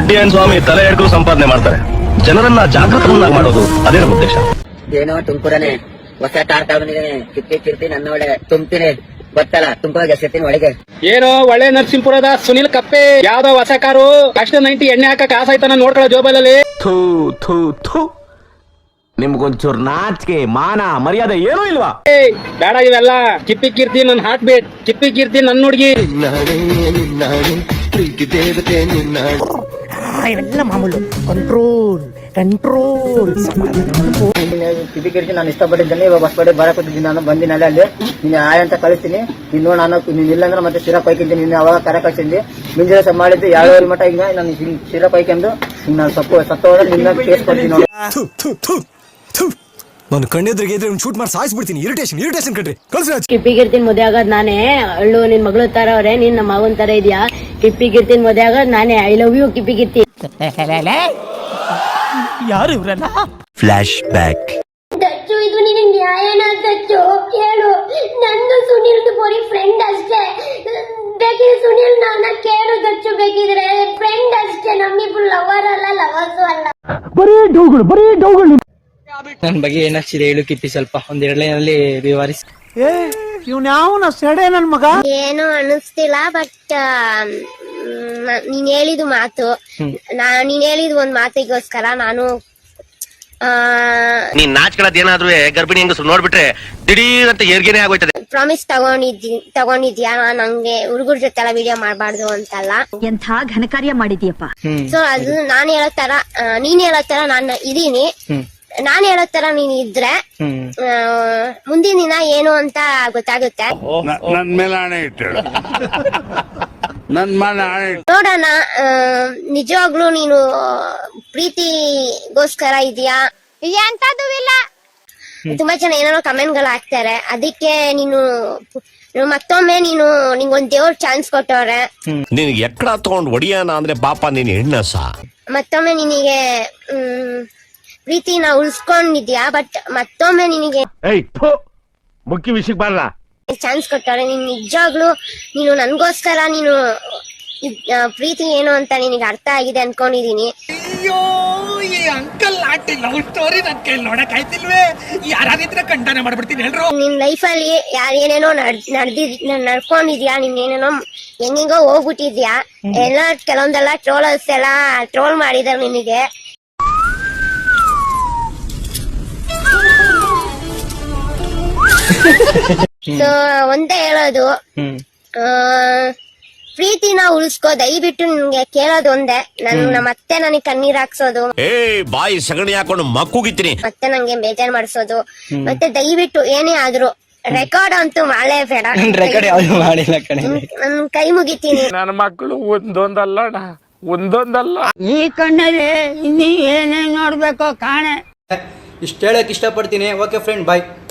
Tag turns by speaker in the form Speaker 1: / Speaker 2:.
Speaker 1: ದುಡ್ಡೇನ್ ಸ್ವಾಮಿ ತಲೆ ಹಿಡ್ಕೊಂಡು ಸಂಪಾದನೆ ಮಾಡ್ತಾರೆ. ಜನರನ್ನ ಜಾಗೃತರನ್ನಾಗಿ ಮಾಡೋದು ಅದೇ ನಮ್ಮ ಉದ್ದೇಶ.
Speaker 2: ಏನೋ ತುಮಕೂರನೆ ಹೊಸ ಕಾರ್ ತಗೊಂಡಿದ್ದೀನಿ, ಕಿರ್ತಿ ನನ್ನ ಒಳ್ಳೆ ತುಂಬ್ತೀನಿ ಗೊತ್ತಲ್ಲ, ತುಮಕೂರ ಎಸಿರ್ತೀನಿ ಒಳಗೆ.
Speaker 3: ಏನೋ ಒಳ್ಳೆ ನರಸಿಂಹಪುರದ ಸುನಿಲ್ ಕಪ್ಪೆ ಯಾವ್ದೋ ಹೊಸ ಕಾರು ಅಷ್ಟ 90 ಎಣ್ಣೆ ಹಾಕಕ್ ಆಸಾಯ್ತಾನ ನೋಡ್ಕೊಳ್ಳೋ ಜೋಬಲಲ್ಲಿ.
Speaker 4: ಥೂ ಥೂ ಥೂ, ನಿಮ್ಗೊಂಚೂರು ನಾಚಿಕೆ ಮಾನ ಮರ್ಯಾದೆ ಏನೂ ಇಲ್ವಾ?
Speaker 3: ಬೇಡ ಇವೆಲ್ಲ. ಕಿಪ್ಪಿ ಕೀರ್ತಿ ನನ್ ಹಾರ್ಟ್ ಬೀಟ್, ಕಿಪ್ಪಿ ಕೀರ್ತಿ ನನ್ ಹುಡ್ಗಿ.
Speaker 5: ಇವೆಲ್ಲ ಮಾಮೂಲು. Control control.
Speaker 2: ಕಿಪಿ ಕಿರ್ತಿ ನಾನು ಇಷ್ಟಪಟ್ಟಿದ್ದೇನೆ. ಇವಾಗ ಹೊಸಪೇಟೆ ಬರಕೊಟ್ಟಿದ್ದೀನಿ, ನಾನು ಬಂದಿನಲ್ಲ ಅಲ್ಲಿ ನೀನು ಆಯ್ ಅಂತ ಕಳಿಸ್ತೀನಿ. ನೀನು ನಾನು ನೀನು ಇಲ್ಲಾಂದ್ರೆ ಮತ್ತೆ ಶಿರಾ ಕೊಯ್ಕಿದ್ದೀನಿ. ನೀನು ಅವಾಗ ಕರೆ ಕಳ್ಸಿದ್ದಿ ಮುಂಜಾನೆ ಸಹ ಮಾಡಿದ್ದು 2 ಮಟ್ಟ. ಈಗ ನಾನು ಶಿರಾ ಕೊಯ್ಕೊಂಡು ನಾನು ಸತ್ತು ಹೋದ್ರೆ ನಿನ್ನ ಕೇಸ್ ಕೊಡ್ತೀನಿ ನೋಡಿ.
Speaker 6: ನಾನು ಕಣ್ಣೆದ್ರಿಗೆ ಇದ್ರೆ ಶೂಟ್ ಮಾಡಿ ಸಾಯಿಸ್ಬಿಡ್ತೀನಿ. ಇರಿಟೇಷನ್ ಕಣ್ರಿ.
Speaker 7: ಕಿಪ್ಪಿ ಗಿರ್ತಿನ್ ಮದುವೆ ಆಗೋದ್ ನಾನೇ. ಅಳ್ಳು ನಿನ್ ಮಗಳು ತರ ಅವ್ರೆ, ನೀನ್ ನಮ್ಮ ಮಗನ್ ತರ ಇದೆಯಾ. ಕಿಪ್ಪಿ ಗಿರ್ತಿನ್ ಮದುವೆ ಆಗೋದ್ ನಾನೇ. ಐ ಲವ್ ಯು ಕಿಪ್ಪಿ ಗಿರ್ತಿ.
Speaker 5: ಯಾರು ಇವ್ರಲ್ಲ?
Speaker 4: Flash back.
Speaker 8: ದಚ್ಚು, ಇದು ನಿನಗೆ ನ್ಯಾಯನ ದಚ್ಚು? ಕೇಳು, ನಂದು ಸುನಿಲ್ದು ಬರೀ ಫ್ರೆಂಡ್ ಅಷ್ಟೇ. ಬೇಕಿದ್ರೆ ಸುನಿಲ್ ನನ್ನ ಕೇಳು ದಚ್ಚು, ಬೇಕಿದ್ರೆ ಫ್ರೆಂಡ್ ಅಷ್ಟೇ. ನಮ್ಮಿಬ್ರು ಲವರ್ ಅಲ್ಲ, ಲವರ್ಸು ಅಲ್ಲ.
Speaker 5: ಬರೀ ಡೌಗಳು.
Speaker 3: ನನ್ ಬಗ್ಗೆ ಏನಾಗ್ತಿದೆ ಹೇಳು ಕಿಪ್ಪಿ, ಸ್ವಲ್ಪ ಒಂದ್ 2 ಲೈನಲ್ಲಿ ವಿವರಿಸಿ.
Speaker 5: ಇವ್ನ ಯಾವನ ಸೆಡೆ ನನ್ ಮಗ?
Speaker 8: ಏನು ಅನಿಸ್ತಿಲ್ಲ, ಬಟ್ ನೀನ್ ಹೇಳಿದ ಮಾತು, ನೀನ್ ಹೇಳಿದ ಒಂದ್ ಮಾತಿಗೋಸ್ಕರ ನಾನು
Speaker 1: ನೀನ್ ನಾಚ್ಕೊಳ್ಳೋದ್ ಏನಾದ್ರೂ ಗರ್ಭಿಣಿ ಹೆಂಗಸರು ನೋಡ್ಬಿಟ್ರೆ ದಿಢೀರ್ ಅಂತ ಏರ್ಗೇನೆ ಆಗೋಯ್ತದೆ.
Speaker 8: ಪ್ರಾಮಿಸ್ ತಗೊಂಡಿದ್ಯಾ ನಂಗೆ ಹುಡುಗರ ಜೊತೆ ಎಲ್ಲ ವಿಡಿಯೋ ಮಾಡ್ಬಾರ್ದು ಅಂತಲ್ಲ.
Speaker 7: ಎಂಥ ಘನಕಾರ್ಯ ಮಾಡಿದ್ಯಪ್ಪ.
Speaker 8: ಸೊ ಅದು ನಾನ್ ಹೇಳೋ ತರ ನೀನ್ ಹೇಳೋ ತರ ನಾನು ಇದೀನಿ. ನಾನ್ ಹೇಳೋ ತರ ನೀನ್ ಇದ್ರೆ ಮುಂದಿನ ದಿನ ಏನು ಅಂತ ಗೊತ್ತಾಗುತ್ತೆ.
Speaker 9: ನನ್ ಮೇಲೆ ಆಣೆ ಇಟ್ಟು ನನ್ ಮೇಲೆ ಆಣೆ
Speaker 8: ನೋಡೋಣ. ನಿಜವಾಗ್ಲೂ ನೀನು ಪ್ರೀತಿಗೋಸ್ಕರ ಇದೆಯಾ ಅಂತದ್ದು ಇಲ್ಲ. ತುಂಬಾ ಜನ ಏನಾರೋ ಕಮೆಂಟ್ ಗಳು ಹಾಕ್ತಾರೆ. ಅದಕ್ಕೆ ನೀನು ಮತ್ತೊಮ್ಮೆ ನಿಂಗೊಂದ್ ದೇವ್ರ ಚಾನ್ಸ್ ಕೊಟ್ಟವ್ರೆ.
Speaker 4: ನಿನಗೆ ಎಕ್ಕಡ ತಗೊಂಡ್ ಒಡಿಯಾನ ಅಂದ್ರೆ ಪಾಪ ನೀನ್ ಹೆಣ್ಣಸ.
Speaker 8: ಮತ್ತೊಮ್ಮೆ ನಿನಗೆ ಪ್ರೀತಿನ ಉಳಿಸ್ಕೊಂಡಿದ್ಯಾ, ಬಟ್ ಮತ್ತೊಮ್ಮೆ ನಿನಗೆ
Speaker 4: ಮುಖ್ಯ ವಿಷಯಕ್ಕೆ ಬರಲ್ಲ
Speaker 8: ಚಾನ್ಸ್ ಕೊಟ್ಟಾರೆ. ನೀನ್ ನಿಜವಾಗ್ಲೂ ನೀನು ನನ್ಗೋಸ್ಕರ ನೀನು ಪ್ರೀತಿ ಏನು ಅಂತ ನಿನಗೆ ಅರ್ಥ ಆಗಿದೆ ಅನ್ಕೊಂಡಿದೀನಿ.
Speaker 5: ಅಯ್ಯೋ, ಈ ಅಂಕಲ್ ಆಂಟಿ ಲವ್ ಸ್ಟೋರಿ ನನ್ ಕೈ ನೋಡಕ್ ಆಯ್ತಿಲ್ವೇ? ಯಾರಾದಿದ್ರೆ ಕಂಡನೆ ಮಾಡ್ಬಿಡ್ತೀನಿ ಎಲ್ರು.
Speaker 8: ನಿನ್ ಲೈಫ್ ಅಲ್ಲಿ ಏನೇನೋ ನಡ್ಕೊಂಡಿದ್ಯಾ, ನೀನ್ ಏನೇನೋ ಹೆಂಗೋ ಹೋಗ್ಬಿಟ್ಟಿದ್ಯಾ. ಎಲ್ಲ ಕೆಲವೊಂದೆಲ್ಲ ಟ್ರೋಲರ್ಸ್ ಎಲ್ಲ ಟ್ರೋಲ್ ಮಾಡಿದಾರೆ ನಿನಗೆ. ಸೊ ಒಂದೇ ಹೇಳೋದು, ಪ್ರೀತಿನ ಉಳಿಸ್ಕೋ ದಯವಿಟ್ಟು. ನಿನ್ಗೆ ಕೇಳೋದು ಒಂದೇ, ಮತ್ತೆ ನನಗೆ ಕಣ್ಣೀರ್ ಹಾಕ್ಸೋದು,
Speaker 4: ಬಾಯಿ ಸಗಣಿ ಹಾಕೊಂಡು ಮಕ್ಕುಗಿತ್ತೀನಿ,
Speaker 8: ಮತ್ತೆ ನಂಗೆ ಬೇಜಾರ್ ಮಾಡಿಸೋದು, ಮತ್ತೆ ದಯವಿಟ್ಟು ಏನೇ ಆದ್ರೂ ರೆಕಾರ್ಡ್ ಅಂತೂ ಮಾಡಲೇ ಬೇಡ.
Speaker 3: ರೆಕಾರ್ಡ್ ಯಾವ್ದು ಮಾಡಿಲ್ಲ ಕಣೆ.
Speaker 8: ನನ್ ಕೈ ಮುಗಿತೀನಿ.
Speaker 9: ನನ್ನ ಮಕ್ಕಳು ಒಂದೊಂದಲ್ಲ.
Speaker 5: ಈ ಕಣ್ಣಲ್ಲಿ ಇನ್ನೀ ಏನೇನ್ ನೋಡ್ಬೇಕೋ ಕಾಣೆ.
Speaker 10: ಇಷ್ಟು ಹೇಳಕ್ ಇಷ್ಟಪಡ್ತೀನಿ. ಓಕೆ ಫ್ರೆಂಡ್, ಬಾಯ್.